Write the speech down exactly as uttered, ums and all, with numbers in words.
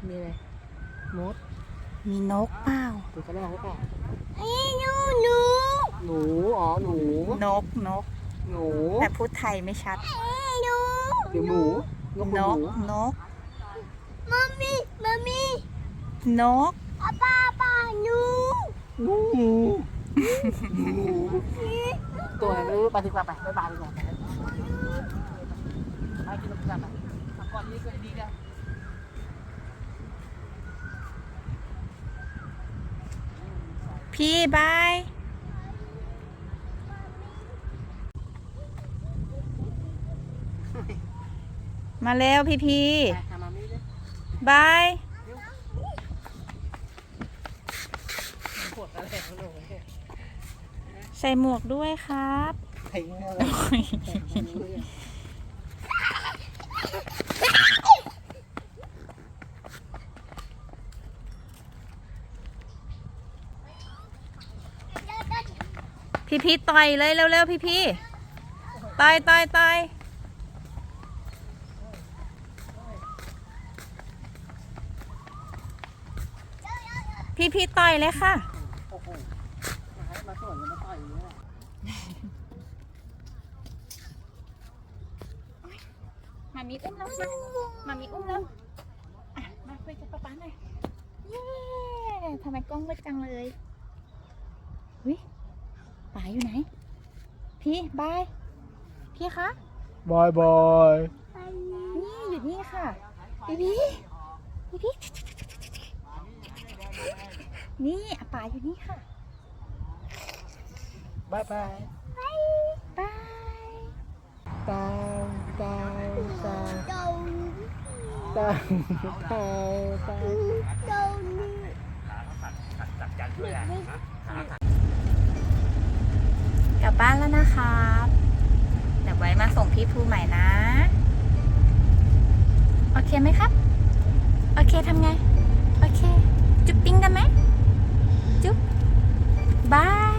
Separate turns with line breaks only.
มีอะไรมด
มีนกเปล่า
ดูกระรอกหรือเปล่า
ไอ้หนูหนู
หนูอ๋อหนู
นกนก
หนู
แต่พูดไทยไม่ชัด
เดี๋ยวหมูนก
น
ห
ก
นู
นกมัมมี่มัมมี่นกป้าป้าป้าหนู
หนูหนูตัวไหนไม่รู้ไปดีกว่าไปไปบายดีกว่าไปไปกินนมกันไปก่อนนี้ก็ดีนะ
พี่บายมาแล้วพี่พี่บายใส่หมวกด้วยครับพี่พี่ต่อยเลยเร็วๆพี่พี่ต่อยต่อยต่อยพี่พี่ต่อยเลยค่ะมามีอุ้มแล้วมามามีอุ้มแล้วอ่ะมาไปกับป๊าป๊าหน่อยเย้ทำไมกล้องมืดจังเลยวิป๋าอยู่ไหนพี่บายพี่คะ
บายบาย
นี่อยู่นี่ค่ะพี่พี่พี่พี่นี่อาป๋าอยู่นี่ค่ะ
บายบาย
บายบาย
ตาวตาวตาวตาวตาวตาว
กลับบ้านแล้วนะครับเดี๋ยวไว้มาส่งพี่ภูใหม่นะโอเคไหมครับโอเคทำไงโอเคจุ๊บปิ้งกันไหมจุ๊บบาย